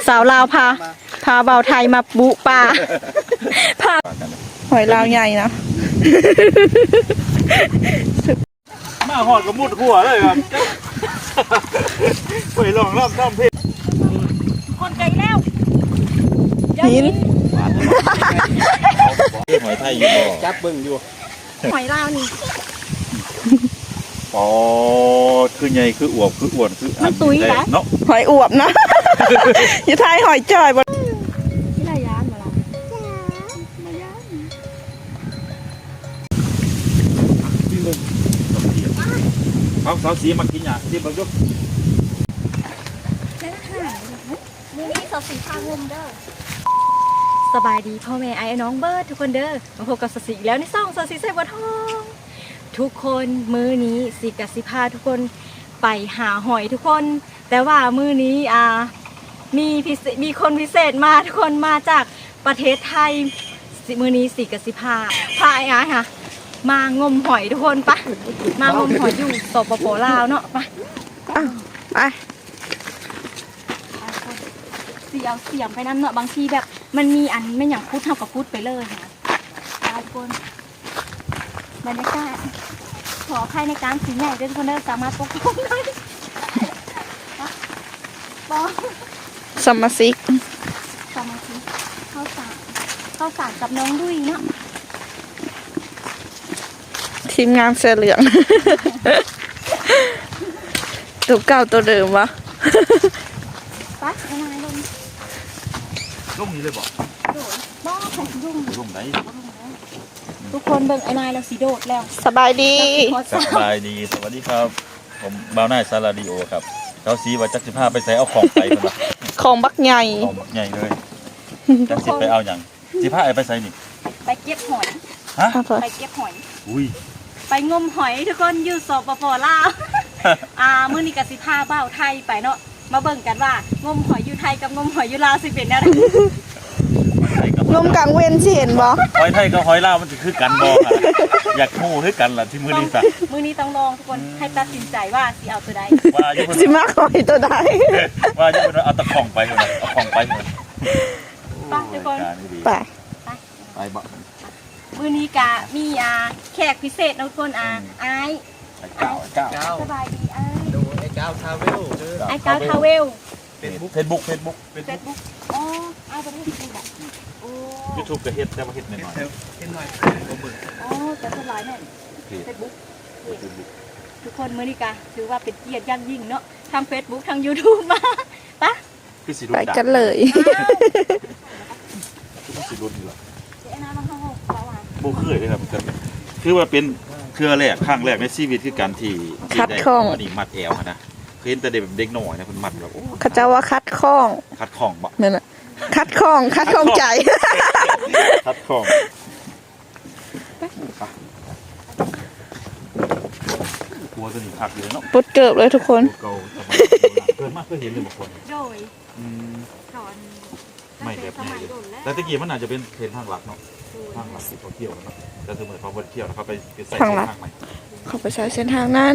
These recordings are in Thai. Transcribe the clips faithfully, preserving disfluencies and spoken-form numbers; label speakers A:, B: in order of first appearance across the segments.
A: าวลาวพาพาเบาไทยมาบุป่าพาหอยลาวใหญ่นะ
B: มาหอดกับมุดหัวเลยครับไปลองรอบรอบเพศ
A: คนไกลแล้ว
B: หินหอยไทยอยู่บ่จับเบิ่งอยู่
A: หอยลาวนี่
B: อ๋อคือใหญ่คืออวบคืออ้วนคือ
A: มันตุ้ยแหละ
B: เนาะ
A: หอยอวบนะอยู่ไทยหอยจ่อยบ่ที่ไรย้านมาละมาย้าน
B: เขาเขาสีมากินอ่ะที่บางยุค
A: มือนี้สาวสีพางมเด้อสบายดีพ่อแม่ไอ้น้องเบิร์ดทุกคนเด้อมาพบกับสาวสีอีกแล้วในซ่องสาวสีใส่บัวทองทุกคนมื้อนี้สีกับสีพาทุกคนไปหาหอยทุกคนแต่ว่ามื้อนี้อ่ามีพิเศษมีคนพิเศษมาทุกคนมาจากประเทศไทยมื้อนี้สีกับสีพาพาไอ้อาค่ะมางมหอยทุกคนปะมางมหอยอยู่สปปลาวเนาะปะไปเสียวเสียงไปน้ำเนาะบางทีแบบมันมีอันไม่อย่างพูดเท่ากับพูดไปเลยค่ะทุกคนบรรยากาศขอใครในการสีใหญ่ด้วยทุกคนได้สามารถปกป้องได้ปองสมาชิกสมาชิกเข้าสารเข้าสารกับน้องดุยเนาะทีมงานเสื้อเหลืองตัวเก่าตัวเดิมวะไปไอ้นายลง
B: ลงนี้เลยบอก
A: โดดบ้าใครลง
B: ลงไหน
A: ทุกคนเบิ่งไอ้นายเราสีโดดแล้วสบายดี
B: สบายดีสวัสดีครับผมบ่าวน่ายซาลาดิโอครับเขาสีว่าจักสิพาไปใส่เอาของไปคนละ
A: ของบักใหญ่
B: ของบักใหญ่เลยจักสิไปเอาอย่างสิพาไปใส่นี่
A: ไปเก็บหอย
B: ฮะ
A: ไปเก็บหอย
B: อุ้ย
A: ไปงมหอยทุกคนอยู่สปปลาวอ่ามื้อนี้ก็สิพาบ่าวไทยไปเนาะมาเบิ่งกันว่างมหอยอยู่ไทยกับงมหอยอยู่ลาวสิเป็นแนวใดงมกลางเว้นสิเห็นบ่
B: หอยไทยกับหอยลาวมันสิคือกันบ่ค่ะอยากฮู้คือกันล่ะที่มื้อนี้ซะ
A: มื้อนี้ต้องลองทุกคนให้ตัดสินใจว่าสิเอาตัวใด
B: ว่าอยู่
A: สิมาหอยตัวใด
B: ว่าอยู่เพิ่นเอาตะของไปพุ่นเอาของไปพุ่น
A: ไปทุกคนไป
B: ไปบ่
A: มื้อนี้กะมีอ่าแขกพิเศษทุกคนอ่าอ้าย
B: ไอ้เก้าไอ้เก้า
A: สบายดีอ้าย
C: ดูไอ้เก้าทาวเวล
A: ไอ้เก้าทาวเวล
B: เฟซบุ๊กเฟซบุ๊กเฟซบุ๊ก
A: เฟซบุ๊กอ๋ออ้ายบ่ได้ดูแบบโอ้
B: YouTube ก็เฮ็ดแต่ว่าเฮ็ดน้อยๆ
C: เฮ็ดหน่อยบ่เบิ่ง
A: อ๋อแต่สบายแน่เฟซบุ๊กทุกคนมื้อนี้กะถือว่าเป็นเกียรติอย่างยิ่งเนาะทาง Facebook ทาง YouTube มาปะ
B: ไป
A: กันเลย
B: คือสิรุ่นนี่ล่ะ
A: ไอ้น้ามาเฮาเฮาว่า
B: บ่เคยเลยครับคือว่าเป็นเครือแรกครั้งแรกในชีวิตคือการที่
A: คัดข้อง
B: อันนี้มัดแอวนะเคยเห็นแต่เด็กเด็กน้อยนะเพิ่นมัดแบบโอ้
A: เขาจะว่าคัดข้อง
B: คัดข้องบ่
A: นั่นน่ะคัดข้องคัดข้องใจ
B: คัดข้องตัวตัวนี้คักเลยเนาะ
A: ปุ๊ดเกิบเลยทุกคน
B: เก่าสบายเกินมากเคยเห็นเลยบางคน
A: โดย
B: อืม
A: สอน
B: ไม่แบบไหนแต่ตะกี้มันอาจจะเป็นเทรนทางหลักเนาะทางหลักที่เขาเที่ยวเนาะแต่สมมติเขาไปเที่ยวแล้วเขาไปใส่เส้นทางใหม่
A: เขาไปใช้เส้นทางนั้น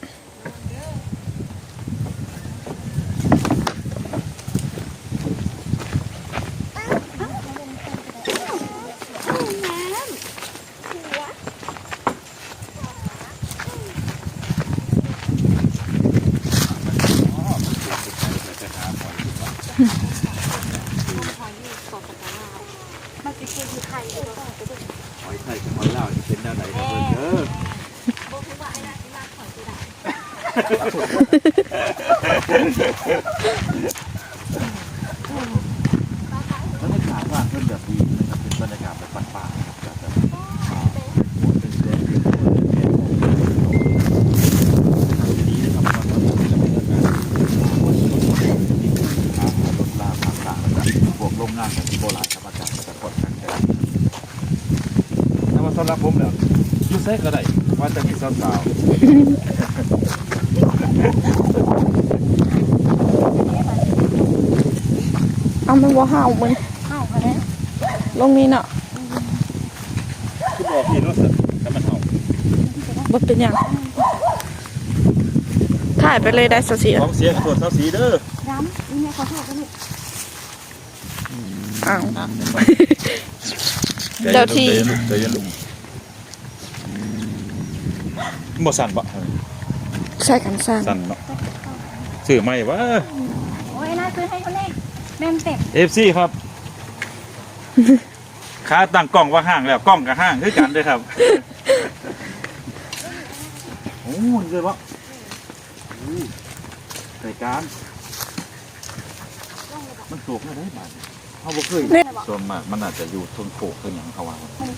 B: หอยไทยกับหอยลาวเป็นแนวไหนครับเออแล้วในขาว่าเพื่อนแบบดีนะครับเป็นบรรยากาศแบบป่าๆนะครับแบบดีนะครับมันก็จะเป็นบรรยากาศรถลาต่างๆนะครับพวกโรงงานแบบโบราณธรรมชาติจะกดกันแต่ถ้าว่าสำหรับผมเนี่ยยูเซ่ก็ได้ว่าจะมีสาวๆ
A: เอามันว่าห่าวมึงห่าวอะไรลงนี้เนาะ
B: คุณบอกพี่รู้สึกแต่มันห่าว
A: บ่เป็นอย่างถ่ายไปเลยได้สักสี
B: ของเสียงตรวจสักสีเด้อ
A: ย้ำนี่ไงขอโทษกันลูก
D: อ้าว
C: อ่ะ
D: เจ้าที่
B: ใจเย็นลุงบ่สั่นบ่
D: ใช่กันสั้น
B: สั่นเนาะซื้อไหมวะ
A: โอ้ยน่าซื้อให้เขาแน่แม่มเต็ม
B: เอฟซีครับขาตั้งกล้องว่าห้างแล้วกล้องกับห้างคือกันเด้วยครับโอ้ยเลยวะรายการมันสูงไม่ได้บ้านเขาบ่เคยส่วนมากมันอาจจะอยู่ทนโขกคืออย่างเขาว่า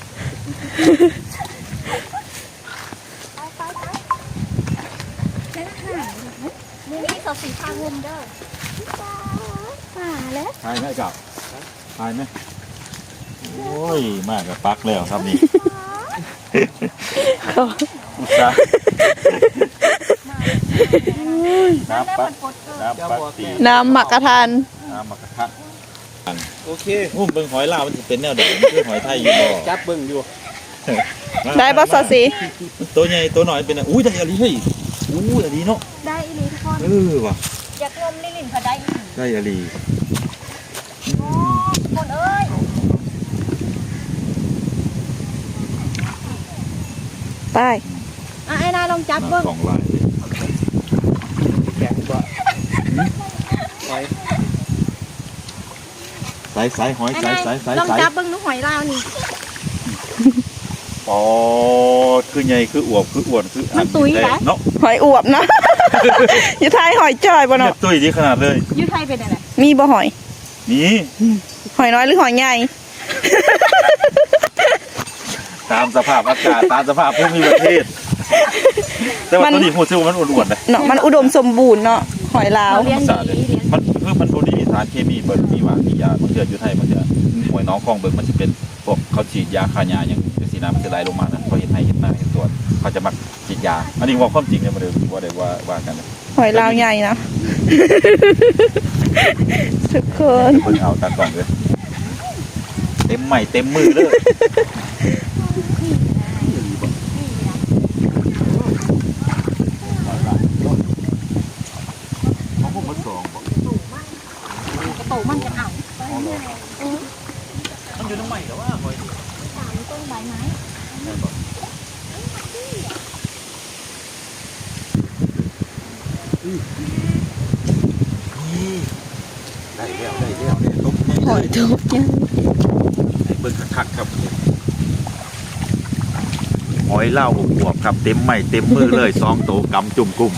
A: แล้วห่างมือนี้สาวสีพางุมเด้อป่าแล้ว
B: ทายไหมกับทายไหมโอ้ยมากกับปักแล้วครับนี่อุตส่าห์น้ำปักน้ำปักตี
D: น้ำหมักกระทาน
B: น้ำมากระทะ
C: โอเค
B: โอ้เบิ่งหอยลาวมันจะเป็นแนวเดิมคือหอยไทยอยู่บ่
C: จับเบิ่งอยู่
D: ได้บ่ซอสี
B: ตัวใหญ่ตัวน้อยเป็นอะอุ้ยได้อะไรเฮ้ยอู้อะไรเนาะ
A: ได้อีหลีทุกคน
B: เออว่ะ
A: อยากงมลิลินเขาได้อีหลี
B: ได้อะไร
A: โอ้คนเอ้ย
D: ไป
A: อ่ะไอ้นายลองจับเบิ้ง
B: สองลายเลย
C: แกะกว่าหอย
B: สายสายหอย
A: ไอ้
B: สาย
A: นาย
B: สายสาย
A: ลอง
B: สาย
A: จับเบิ้งหนูหอยลาวนี่
B: อ๋อคือใหญ่คืออวบคืออ้วนคืออั
A: มันตุ๋ยเหรอ
B: เนาะ
D: หอยอวบนะ อยู่ท้ายหอยจ้อยบ่
B: เนี่ย
D: เนาะ
B: ตุ้ยดีขนาดเลย
A: อยูไทยเป็นอะไร
D: มีบ่หอย
B: นี่
D: หอยน้อยหรือหอยใหญ่
B: ตามสภาพอากาศตามสภาพภูมิประเทศ แต่ว่าตัวนี้หูซิวมันอ้วนๆนะ
D: เนาะมันอุดมสมบูรณ์เนาะหอยลาว
A: เขาเลี้ยงดีเลี้ยง
B: มันคือมันบดีสารเคมีเบิดมีหวานมียาบางเดือนอยู่ไทยบางเดือนหวยน้องคลองเบิกมันจะเป็นพวกเขาฉีดยาฆ่าหญ้าอย่างสีน้ำมันจะไหลลงมานะเขาเห็นให้เห็นหน้าเห็นตัวเขาจะมักฉีดยาอันนี้ว่าความจริงเนี่ยมาเดิมว่าได้ว่าว่ากันนะ
D: หอยลาวใหญ่นะ ทุกคน
B: เพิ่งเอาตากล่องเลยเต็มใหม่เต็มมือเลยของผมมันสองบอก
A: กระโตมันจะเอา
C: มันอยู่ตรงไหนแต่ว่าหอย
A: สามต้นใบไม้
B: ได้แล้วได้แล้วได้ตุ๊บ
D: หอยทุบยัง
B: เบิ่งคักๆครับหอยเล่าอบอวบครับเต็มใหม่เต็มมือเลยสองโตกำจุ่มกุ้ม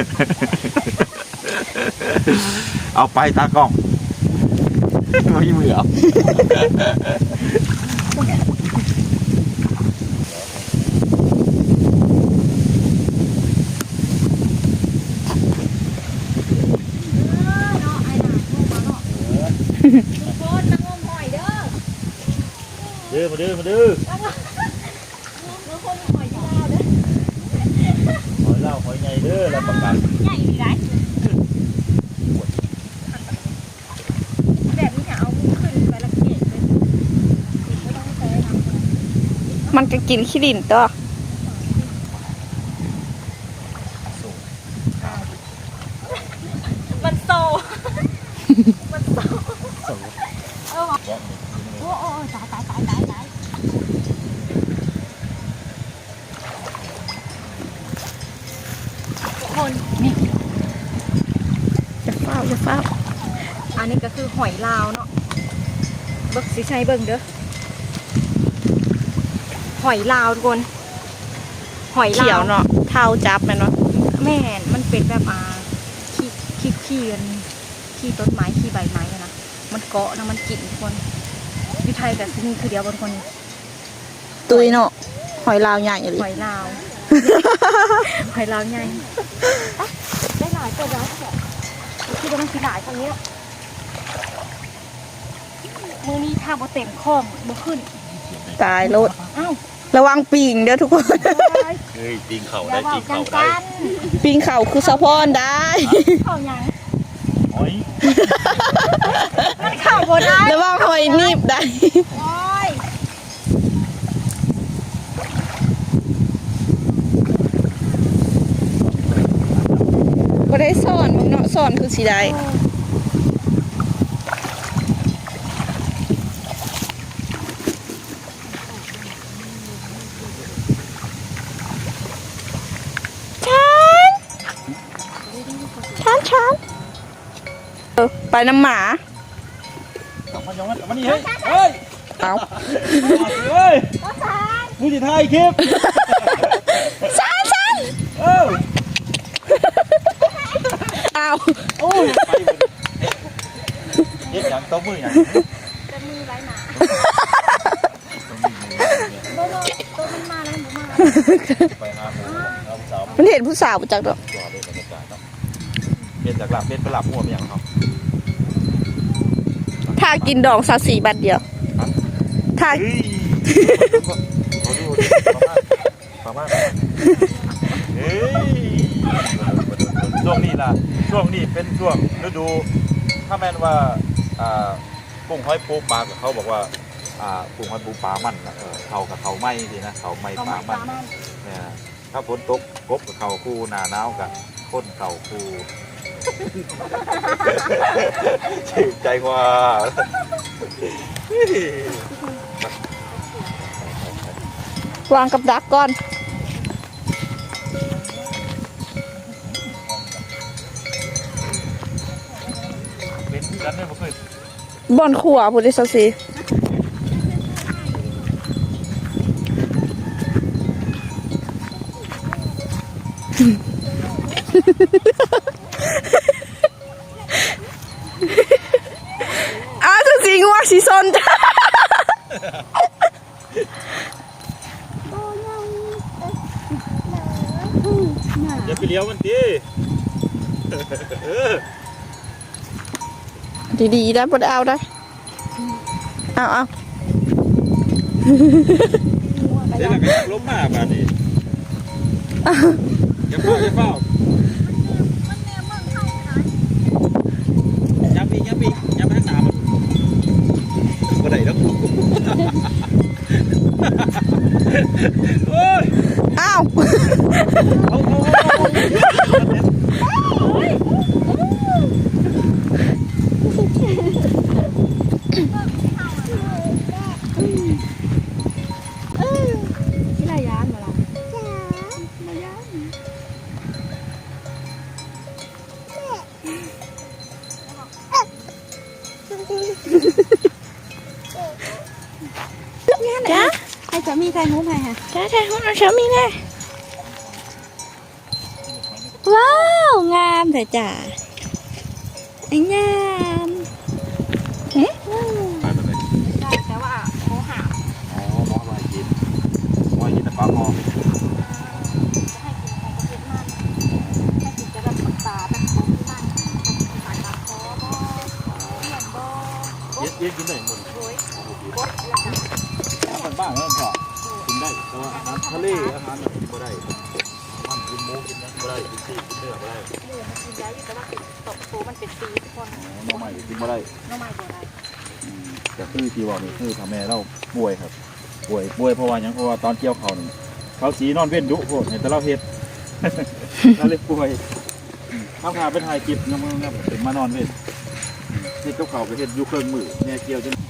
B: เอาไปตากล้องไม่มือเอา
A: เนาะไอ้หนาลูกมาเนาะทุกคนมางมหอยเด้อ
B: เด้อมาเด้อมาเด้อ
A: มางมหอยที่ลาวเด้อ
B: หอยเล่าหอยใหญ่เด้อแล้วประกัน
A: ใหญ่ดีไรแบบนี้จะเอาขึ้นไปละเกียดเลยไม่ต้องใช้น้ำ
D: มันก็กินขี้ดินตัว
A: มันโซ มันโซเออโอ้โอ้ตายตายตายตายตายคนนี่
D: จะเฝ้าจะเฝ้า
A: อันนี้ก็คือหอยลาวเนาะเบิกสิใช้เบิ่งเด้อหอยลาวทุกคนหอย
D: เขีย
A: ลาว ว
D: เนาะเท้าจับแม่นเนาะ
A: แม่นมันเป็นแบบอ่าขี้ขี้ขี้กันขี้ต้นไม้ขี้ใบไม้อะนะมันเกาะนะมันกินทุกคนอยู่ไทยแต่ที่นี่คือเดียวบนคน
D: ตุยเนาะหอยลาวใหญ่เลย
A: หอยลาว หอยลาวไงได้หลายตัวแล้วที่ว่ามันคือหลายตรงนี้แล้วมือนี้ถ้าบ่เต็มคล้องบ่ขึ้น
D: ตายรถ
A: อ้าว
D: ระวังปิงเด้อทุกคน
B: เฮ้ยตีนเข่า
A: อย่า
B: ได้
A: บอ
B: ตี
A: ก
B: น
A: กั
B: เข่าน ได้
A: กัน
D: ปิงเข่าคือสะพอนได้
A: เข่าหยัง
B: หอย
A: มันเข่าบ่ได้
D: ระวังหอยนีบได้
A: โอ้ย
D: บ่ได้สอนมึงเนาะสอนคือสิได้ไปน้ำหมา
B: เอามายองมันเอามานี่เฮ้ยเฮ้ย
D: เอา
B: เฮ้ยผู้จิตไทยคลิป
D: ซันซัน
B: เออ
D: เอา
B: โอ้ยไปหมดเย็บอย่างต้มมืออย่าง
A: จะมือไรหนาโดนตัวมันมาแล้วหมูมา
B: ไปหาหมูเอาสาว
D: มันเห็นผู้สาวประจักษ์ดอก
B: จอดเลยบรรยากาศเนาะเปลี่ยนจากหลับเป็นไปหลับหัวไปอย่างเขา
D: ถ้ากินดองซาสีบัตรเดียวถ้า
B: เฮ้ยเขาดูประมาณเฮ้ยช่วงนี้ล่ะช่วงนี้เป็นช่วงฤดูถ้าแม่นว่าอ่ากุ้งหอยปูปลากับเขาบอกว่าอ่ากุ้งหอยปูปลามันนะเออเขากับเขาไม่สินะเขาไม่ปลามันเนี่ยถ้าฝนตกกบกับเขาคู่หนาหนาวกับข้นเขาคู่ชื่นใจกว่าว
D: างกับดักก่อน
B: เป็นที่กันเนี่ยผมเคย
D: บอนขัวผู้ดิซาสีอ้าวซาสีงัวสีซนจ้า
B: อย่าไปเลี้ยวมันดิ
D: ดีๆได้บ่ได้เอาได้เอาเอา
B: เดี๋ยวเราก็ล้มมาแบบนี้อย่าเฝ้าอย่าเฝ้ายับอีกยับอีกยับไปทางหนามันก็ได้แล้วโอ้ย
D: อ้าว
B: เอาเอาเอา
A: ที่ไรยานมาละ
D: จ้า
A: ให้สามีใครมุ้งใครฮะ
D: จ้าใช่ห้องน้ำชามีแน่
A: ว้าวงามแต่จ้าไอ้งาม
B: ไปไปเลย
A: ใช่แต่ว่าโมหะ
B: อ๋อมอไว้กินมอกินแต่ปลาหอม
A: จะให้กินของประเภทมันให้กินจะแบบตาแบบของที่มันสายตาคอบ่เลี่ยนบ่
B: เย็ดเย็ดกินได้หมด
A: โอยบดแล้วกัน
B: อาหารบ้านแล้วก็กินได้แต่ว่าอาหารทะเลอาหารกินไม่ได้มันกินหมูกินนะไม่ได้กินซีกินเนื้อไม่ได้
A: เลือมันกินได้อยู่แต่ว่าตกตัวมันเป็นปีทุกคน
B: น้องใหม่กินไม่ได้
A: น้องใหม่ตัวไหน
B: แต่คือที่ว่านี่คือทำแม่เราป่วยครับป่วยป่วยเพราะว่าอย่างเพราะว่าตอนเกี่ยวเขานี่เขาสีนอนเว้นดุโคตรเห็นแต่เราเฮ็ด เราเลยป่วยข้าวขาเป็นไฮกิบน้ำมันเป็นมานอนเว้นเฮ็ดกับเขาไปเฮ็ดอยู่เครื่องมือแม่เกี่ยวจน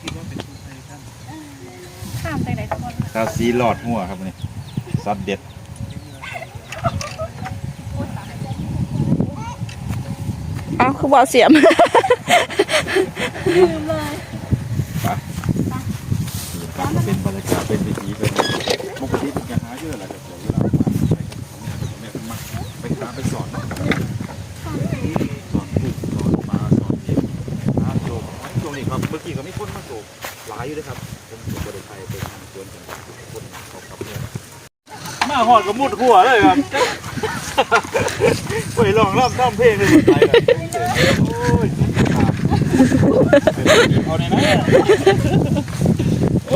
A: ข้ามใจไหนทุกคน
B: ข้าวสีหลอดหัวครับนี่ซอสเด็ด
D: เอาคือบ่เสียม
A: ลืมเลย
B: ไปเป็นบรรยากาศเป็นวิถีเป็นปกติเป็นการหาเยอะแหละครับเวลาไปกับแม่ไปหาไปสอนเนาะสอนปลูกสอนปลาสอนเด็กหาโจกช่วงนี้ครับเมื่อกี้ก็มีคนมาโจกหลายอยู่เลยครับผมผมบริไทยไปทางสวนกันคนเขาขับเนี่ยมาหอดก็มุดหัวเลยครับไปลองร่ำท่ำเพลงเลยไปแบบโอ้ยเอาในนั้นโอ้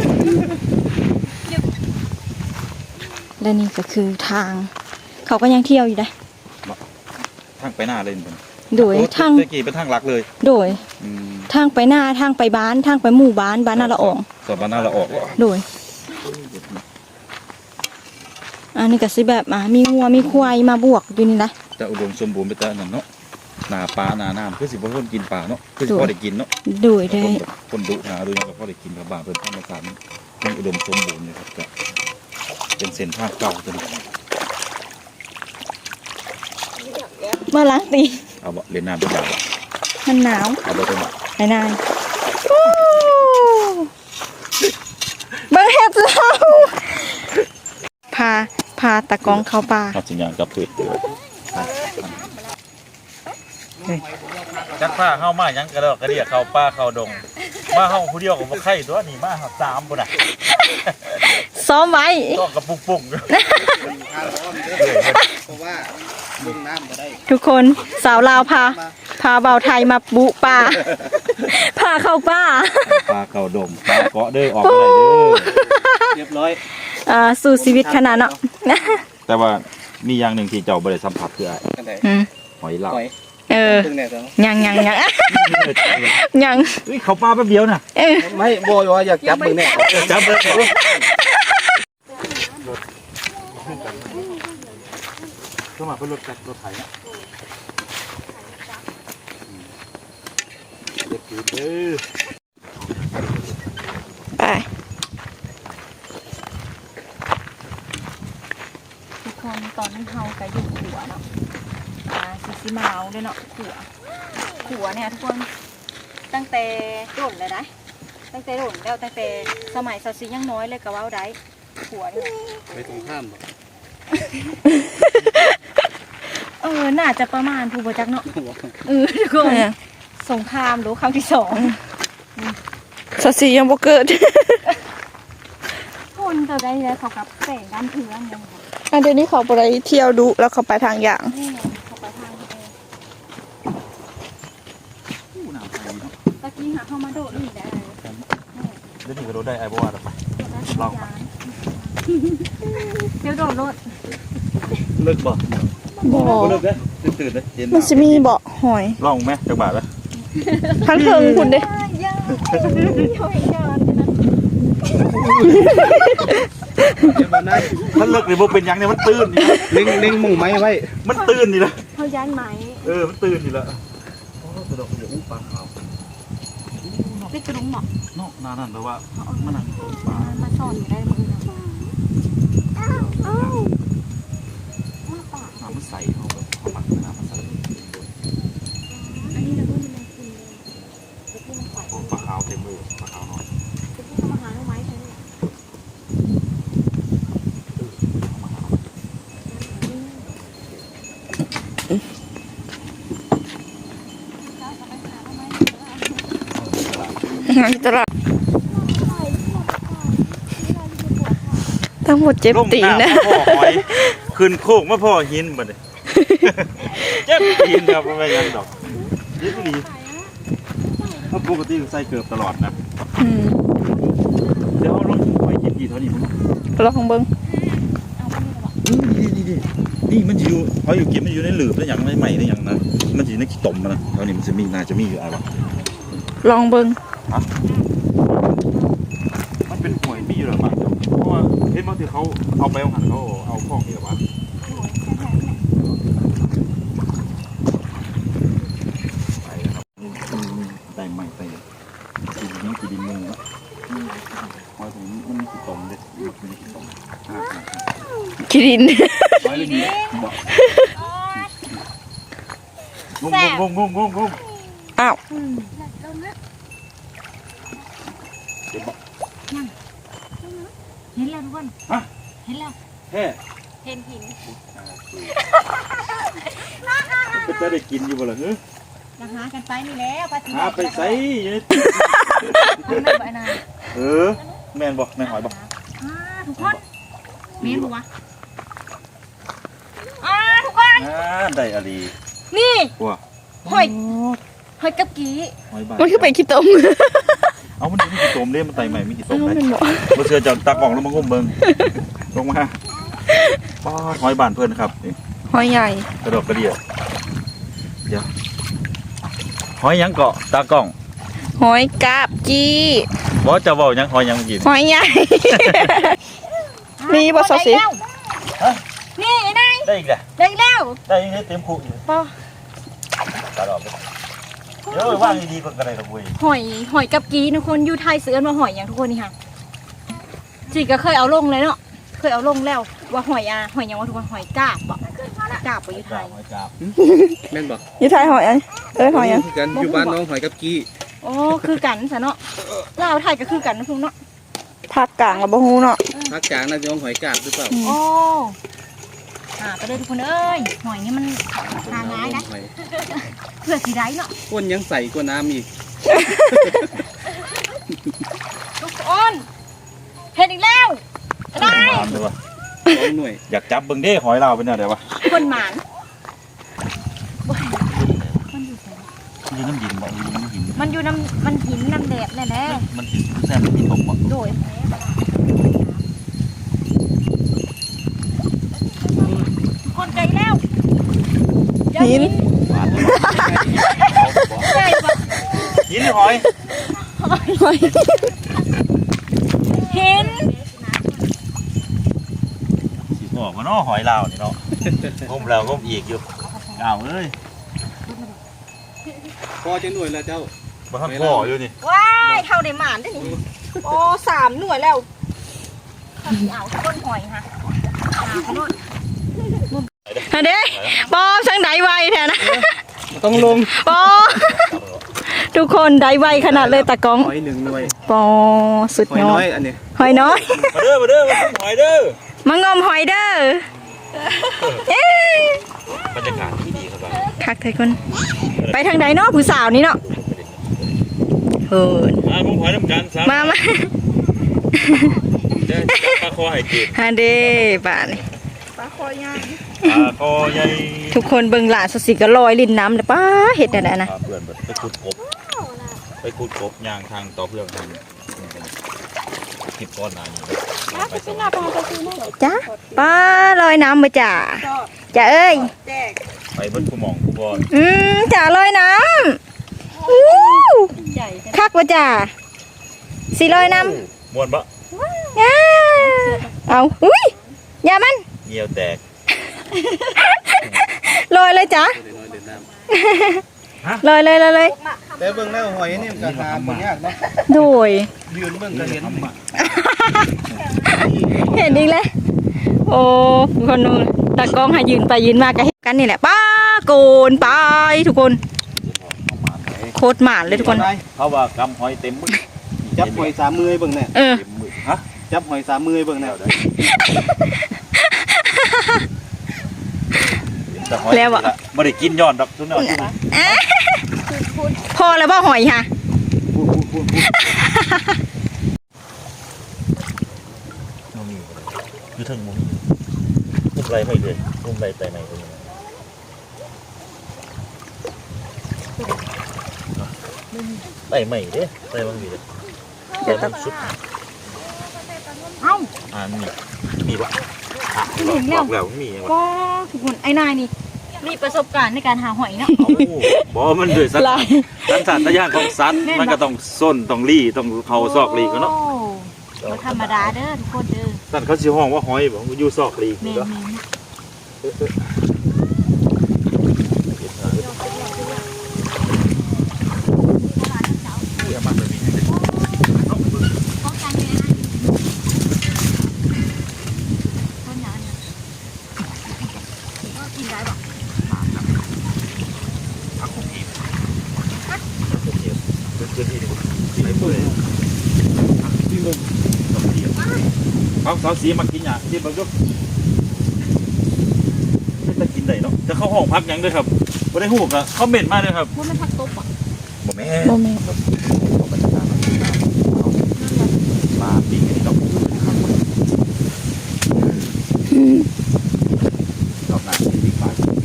A: และนี่ก็คือทาง เขาก็ยังเที่ยวอยู่ได้
B: ทางไปหน้าเลยเป็น
A: โดยทาง
B: ตะกี้เป็นทางหลักเลย
A: โดย
B: อืม
A: ทางไปหน้าทางไปบ้านทางไปหมู่บ้านบ้านนาละออง
B: สอบบ้านหน้าเราออกว่ะ
A: โดยอันนี้ก็สิแบบอ่ามีงัวมีควายมาบวกอยู่นี่นะ
B: จะอุดมสมบูรณ์ไปแต่นั่นเนาะหนาปลาหนาน้ำคือสิบ่คนกินปลาเนาะคือสิพอได้กินเนาะ
A: โดยได้
B: คนแบบคนดุหาดูแล้วก็พอได้กินกับบางเพิ่นธรรมชาติมันอุดมสมบูรณ์เลยครับก็เป็นเส้นทางเก่าตัวนี้
A: มาล้างตี
B: เอาบ่เล่นน้ำเป็นแบบ
A: ฮ
D: มันหนาว
B: เอาไปเป็นหลัก
D: ไอ้นายโอ้เบิ่งเห็ดเราพาพาตะกองเข้าป่า
B: ครับสัญญาณกับพืชจักผ้าเข้ามายังกระดอกกระเดียเข้าป้าเข้าดงมาเข้าผู้เดียวกับบ่ไข่ตัวนี่มาสามคนน่ะ
D: ซ้อมไว้
B: ต้องกระปุกปุ่ง
C: เพราะว่าลุงน้ำก็ได้
D: ทุกคนสาวลาวพา พาเบาไทยมาบุป่า พาเข้าป่า
B: ปลาเข้าดงปลาเกาะเด้อออกอะไรเด้อ
C: เรียบร้อย
D: อ่าสู่ชีวิตขนาดเนาะ
B: แต่ว่ามีอย่างหนึ่งที่เจ้าบ่ได้สัมผัสคืออะไร
C: กันไหน
D: อืม
B: หอยลาย
C: ปล่อย
D: เออ
C: ตึงแน่จัง
D: ยังยังยังยัง
B: เฮ้ยเขาปลาแป๊บเดียวน่ะ
D: เออ
C: ไม่โบยว่าอยากจับมึงแน่
B: จับเลยเข้ามาเพื่อรถจักรรถไถนะเด็กคือเด้อ
D: ไป
A: ทุกคนตอนนี้เฮาก็อยู่ขัวเนาะอ่าซิซิมาเอาด้วยเนาะขัวขัวเนี่ยทุกคนตั้งแต่โดนเลยนะตั้งแต่โดนแล้วตั้งแต่สมัยซาซิยังน้อยเลยก็เว้าได้ขัวนี่
C: ไปตรงข้ามบ่
A: เออน่าจะประมาณผู้บ่จักเนาะเออทุกคน สงครามหรือครั้งที่สอง
D: สสียังบ่เกิด
A: คนจะได้แล้วเขากับแต่งด้านเพื่อนยังไง
D: อันเดี๋ยวนี้เขาไปเที่ยวดูแล้วเขาไปทางอย่าง
A: นี่ไงเขาไปทางเออ
B: ผู้นำไทยเนาะ
A: ตะกี้หาเข้ามาโดดนี่ได้
B: เดี๋ยวนี้ก็รถได้ไอ้บ่ว่าหรอกไป ลอง
A: เดี๋ยวโดดรถ
B: เลิกบ่
D: บ่
B: เลิกเด้อตื่นๆเด้อเย็น
D: มันจะมีเบาะหอย
B: ลองไหมจักบาทละ
D: ทั้งเทิงคุณเด้
A: ย่าย่าย่อยยาน
C: เดี๋ยวมันได้
B: มันเลิกนี่บ่เป็นหยังเนี่ยมันตื่นนี่นะ
C: เล็งเล็งมุ่งไม้ไว้
B: มันตื่นนี่ละ
A: เขาย้านไหม
B: เออมันตื่นนี่ละโอ้กระดกเดี๋ยวอู้ปลาขาว
A: ได้กระดุมหมอก
B: เนาะนานั่นแปลว่ามันนั่งปลา
A: มาสอนอยู่ได้มือนะ
B: น้ำมันใสเขาแบบเขาปักน้ำมันใส
A: อันนี้เราต้องเป็นคุณตะกี้มันใส่
B: โอ้ปลาขาวเต็มเลยปลาขาวน้อย
A: ตะกี้มาหาไม้ใช่ไหม
D: งานตลาดทั้งหมดเจ็บตีนนะ
B: ลงำมาพ่อหอยขึ้นโคกมาพ่อหินบัดนี้ เจ็บตีนครับไม่ยังดอกเจ็บดีเพราะปกติใส่เกือบตลอดนะ
D: อืม
B: เดี๋ยวเอาลงหอยกินดีเท่านี้มั้ง
D: ลองเบิ่ง
B: นี่นี่นี่นี่มันอยู่หอยอยู่กินมันอยู่ในหลืบแล้วอย่างไม่ใหม่แล้วอย่างนะมันอยู่ในขี้ตมนะแล้วนี่มันจะมีน่าจะมีอยู่อะไรวะ
D: ลองเบิ่ง
B: มันเป็นหวยมีอยู่หรอมั้งเพราะว่าเห็นบางทีเขาเอาไปเอาหันเขาเอาข้องนี่หรอวะไปครับได้ใหม่ไปกินนี้กินดินมึงแล้วหอยผมมันมีขี้ตมเลยมันมีขี้ตม
D: คิริน
B: หอยเลยนี่บอกงงงงงงงง
D: อ้าว
B: เดี๋ยวบอก
A: เห็นแล้วทุกคน
B: ฮะ
A: เห็นแล้ว
B: แฮ่
A: เห็นหิน
B: จะได้กินอยู่บ่ล่ะเฮ้ย
A: นะหากันไปนี่แล้วปฏิ
B: หาไปใส่อยู่ใน
A: ไม่ไหวนะ
B: เออแม่นบอกแม่นหอยบอก
A: อ่าทุกคนเมียนหัวอ่าทุกคน
B: อ่าได้อะไร
A: นี่
B: ว้า
A: หอยหอยกับกี
B: หอยบา
D: มันคือไปขี้ตม
B: เอามันมีกี่ตมเด้มันไตใหม่มีกี่ต
D: อ้าม ว
B: ได้
D: เป็นบ่
B: บ่เชื่อจะตักกล่องแล้วมางมเบิ่งลงมาป้าดหอยบานเพื่อนครับนี่
D: หอยใหญ่
B: กระดกกระเดียเดี๋ยวหอยหยังเกาะตากล้อง
D: หอยกาบจี้
B: บ่จะเว้าหยังหอยหยังเมื่อกี้
D: หอยใหญ่ มีบ่ซอสสิ
A: นี่ไอ้นาย
B: ได้อีกแหละ
A: ได้แล้ว
B: ได้อีกเต็มคุกอยู่
A: ปอ
B: ตลอดเลยเดี๋ยวว่างดีๆก่อนก็ได้ดอกเว้ย
A: หอยหอยกับกีทุกคนอยู่ไทยซื้อมาหอยอย่างทุกคนนี่ค่ะจีก็เคยเอาลงเลยเนาะเคยเอาลงแล้วว่าหอยอ่ะหอยอย่างว่าทุกคนหอยกาบบ่กาบไปอยู่ไทย
B: หอยกาบ
C: แม่นบอก
D: อยู่ไทยหอยอันเอ้ยหอยอัน
C: คือกันอยู่บ้านน้องหอยกับกี้
A: โอ้คือกันซะเนาะลาวไทยก็คือกันนะพุ่งเนาะ
D: ภาคกลางกับบ่ฮู้เนาะ
C: ภาคกลางน่าจะน้องหอยกาบหรือเปล่า
A: โอ้หาไปเลยทุกคนเอ้ยหอยนี่มันหาง่ายนะ
C: หอย
A: เพื่อสีได้เนาะ
C: ก้นยังใส่กว่าน้ำอีก
A: ทุกคนเห็นอีกแล้วได้
B: น้ำเลยวะ
C: สองหน่วย
B: อยากจับเบิ่งเด้หอยเราเป็นอะไรวะ
A: คนหมาน
B: อยู่น้ำหินบ่อยู่น้ำหิน
A: มันอยู่น้ำมันหินน้ำแดดแน่แน่
B: มันหินแซ่บมันหินตกบ่
A: โดยคนไกลแล้ว
D: หิน
B: หวานเลย
A: ใช่ปะ
B: หินหรือหอย
D: หอย
A: หิน
B: สิบอกว่าเนาะหอยเรานี่เนาะงมแล้วงมอีกอยู่อ้าวเอ้ย
C: พอจะหน่วยแล้วเจ้า
B: บ่ทันพ่ออยู่นี่
A: ว้ายเท่าได้หมานได้นี่โอ้สามหน่วยแล้วเขาสิเอาต้นหอยฮะหาไปโน่น
D: อันเด้ปอมสังไดไวแท้นะ
C: ต้องลง
D: ปอทุกคนไดไวขนาดเลยตากล้อง
C: หอยหนึ่งหน่วย
D: ปอสุด
C: หอย
D: ยอ
C: น้อ
D: ด
C: ยอันนี้
D: หอยน้อย
B: มาเด้อมาเด้อมาต้มหอยเด้อ
D: มางมหอยเด้อเอ้ย
B: บรรยากาศที่ดีครับบ้าน
D: คักไทยคนไปทางใดเนาะผู้สาวนี่เนาะเฮิน
B: อ่าผมหอยน้ำกันครับ
D: มามา
B: เด้อปลาคอให้กิน
D: ฮันเด้บ้านนี่
B: ปลาคอใหญ่
D: ทุกคนเบิ่งหลานสสิก็ลอยลิ้นน้ำเลยป้าเห็ดอะไรนะ
B: พาเพื่อนไปขุดกบไปขุดกบยางทางต่อเพื่อนทางคลิปก้อนหนานี้ไปสอง
D: จ้าป้าลอยน้ำมาจ่าจ่าเอ้ย
B: ไปเบิ้ลผู้หมองผู้บอล
D: อืมจ่าลอยน้ำอู้คักว่าจ่าสีลอยน้
B: มวนบะ
D: ำอ้าเอาอุ้ยอย่ามัน
B: เงียวแตก
D: ลอยเลยจ้า
C: เดี๋ยวน้อยเดินน้
D: ลอยเลยเลยเลย
C: ำแต่เบิ่งแล้วหอยนี่มันก็หาบ่ยากเนาะ
D: โดย
C: ยืนเบิ่งก็เห็น
D: เห็นอีกแล้วโอ้คนนู้นตากล้องให้ยืนไปยืนมาก็เห็นกันนี่แหละป้าโกนไปทุกคนโคตรหมานเลยทุกคน
B: เขาว่ากำหอยเต็มมือ
C: จับหอยสามมือให้เบิ่งแน่
D: เออ
B: เต็มมือฮะ
C: จับหอยสามมือให้เบิ่งแน่
D: แล้วอะ
B: ไม่ได้กินย้อนดอกทุกหน่อย
D: พอแล้วบ่หอยค่ะ
C: พูดพูดพูดพูด
B: มันมีคือทั้งมุมมุมไรไม่เลยมุมไรแต่ไหนตรงนี้ไต่ใหม่เด้ไต่บางทีเลยแต่มันสุด
A: เอ้า
B: อ่ามีมีวะอ่ะบอกแล้วมีวะ
A: ก็ทุกคนไอ้นายนี่มีประสบการณ์ในการหาหอยเนาะ
B: บอกมันด้วยสัตว์สัตว์สัตว์ย่างของสัตว์มันก็ต้องส้นต้องรี่ต้องเขาซอกรีก็เนาะ
A: โอ้บ่ธรรมดาเด้อทุกคนเด้อ
B: สัตว์เขาชื่อห้องว่าหอยบอกอยู่ซอกรี
A: เมน
B: เนาะ
A: เมน ป้องกันเลยนะต้นน้ำก็กินได้ปะ
B: เขาสาวสีมากินอย่างที่บางทีจะกินได้เนาะจะเข้าห้องพักยังด้วยครับไม่ได้หูกอะเขาเหม็นมากเลยครับ
A: ว่ามันทักตบอ่ะ
B: บ่แม่
D: บ่แม่
B: มาปิ้งอันนี้ดอกดอกหนาที่ปิ้งไป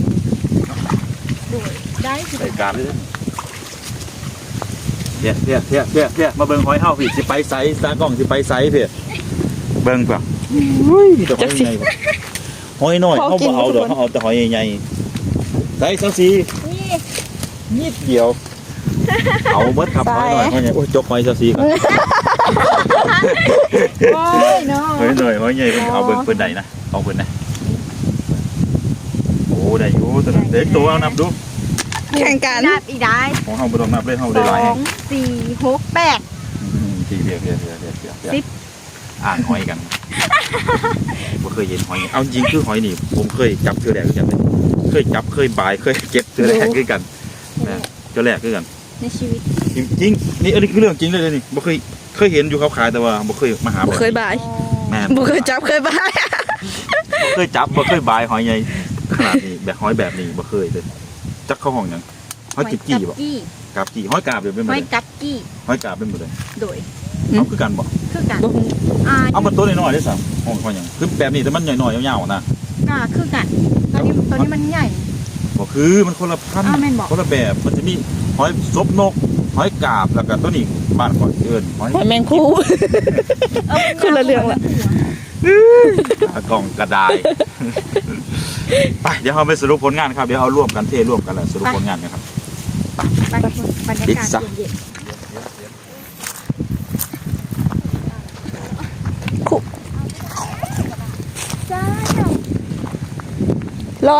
A: ได้สิ
B: ใส่การเลยเพี้ยเพี้ยเพี้ยเพี้ยเพี้ยมาเบิ่งหอยเฮาพี่สิไปไซส์ตากล้องสิไปไซส์เพี้ยเบิ่งป่ะอุ้ยมีแต่หอยใหญ่ป่ะหอยน้อยเขาบ่เอาดอกเขาเอาแต่หอยใหญ่ๆไซส์สาวสี
A: นี่
B: นิดเดียว เอาเบิดครับหอยหน่อยหอยใหญ่โอ้ยจกหอยสาวสีก่อน
A: โอ้ยเนาะ
B: หอยหน่อยหอยใหญ่เพิ่นเอาเบิ่งเพิ่นใดนะเอาเพิ่นนะโอ้ได้อยู่ตัวนั้นเด็กตัวเอานับดู
D: แข่งกัน
A: นับอีกได้
B: ของเฮาบ่ต้องนับเลยเฮา
A: ส
B: ได้หลาย
A: อ
B: แฮ
A: งสี่หกแปด
B: อืมสี่เพียเพียเพียเพียเพีย
A: สิบ
B: อ่านหอยกันบ่เคยเห็นหอยเอาจริงคือหอยนี่ผมเคยจับเจอแรกคือกันเลยเคยจับเคยบายเคยเก็บเจอแรกคือกันนะเจอแรกคือกัน
A: ในชีวิต
B: จริงๆนี่อันนี้คือเรื่องจริงเลยนี่บ่เคยเคยเห็นอยู่เขาขายแต่ว่าบ่เคยมาหา
D: บ่เคยบาย
B: แม่น
D: บ่เคยจับเคยบาย
B: บ่เคยจับบ่เคยบายหอยใหญ่ขนาดนี้แบบหอยแบบนี้บ่เคยเลยจักเข้าห้องหยังหอยจิบจี้บ่
A: กี้
B: กาบจี้หอยกาบเดี๋ยวเป็นหม
A: ห
B: ด
A: อ
B: เลย ย
A: กัดกี้
B: หอยกาบเป็นหมดเลย
A: โดย
B: เอาคือกันบ่
A: คือกัน
D: บ่ฮู้
A: อ่า
B: เอามันตัวน้อยๆได้สั่งห้องหอยหยังคือแบบนี้แต่มันน้อยๆยาวๆนะ
A: อ่าคือกันตอนนี้ตอนนี้มันใหญ่
B: บ่คือมันคนละพันธุ์
A: อ้าวแม่นบ่
B: คนละแบบมันจะมีหอยซบนกหอยกาบแล้วก็ตัวนี้บ้านก่อนเอิ้นหอย
D: หอยแมงคู่ คนละเรื่องละ
B: กล่องกระดาษ ไปเดี๋ยวเราไปสรุปผลงานครับเดี๋ยวเอาร่วมกันเทร่วมกันแล้วสรุปผลงานกันครับ
A: ไปบรรยากาศเย็น
D: คู่
A: ๆจ้า
D: ร้อย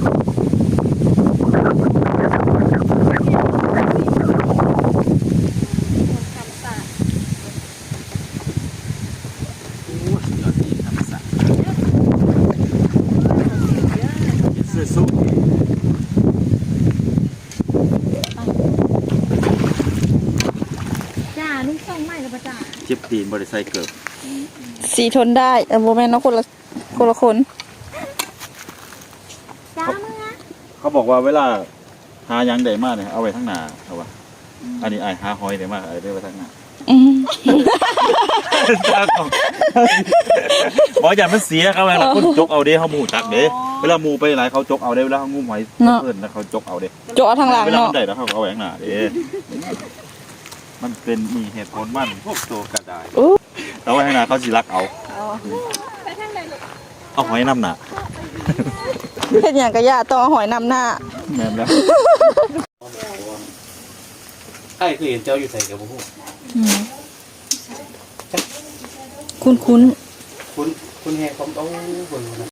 B: สู้
A: จ้าลุงส่งใหม่แล้วปะจ้า
B: เจ็บตีนบริไซเกิด
D: สีทนได้เออบ่แม่นเนาะคนละคนละคน
A: จ้ามึงอะ
B: เขาบอกว่าเวลาหายังได้มากเนี่ยเอาไว้ทั้งหน้าเอาวะอันนี้ไอายหาหอยได้มากไอ้ได้ไว้ทั้งหน้า
D: อืม
B: บอกอย่ามันเสียครับเวลาคนจกเอาเด้เขาหมูจักเด้เวลาหมูไปหลายเขาจกเอาเด้เวลาเขางูหอยเพิ่นแล้วเขาจกเอาเด้
D: โจาะทางหลัง
B: เวลา
D: เนาะ
B: มันได้แล้วเขาเอาไว้ข้างหน้าเด้มันเป็นมีเหตุผลมันพวกตัวกระดาษ
D: อู้
B: เอาไว้ข้างหน้าเขาสิรักเอา
A: ไปทางไหนลูก
B: เอาหอยน้ำหนา
D: เฮ็ดหยังก็ย่าต้องเอาหอยนำหน้า
B: แม่นแล้ว
C: ไอ้คือเห็นเจ้าอยู่ใส่กับพวก
D: อืมคุ้นๆ
C: คุณคุณแห่ผมเอาคน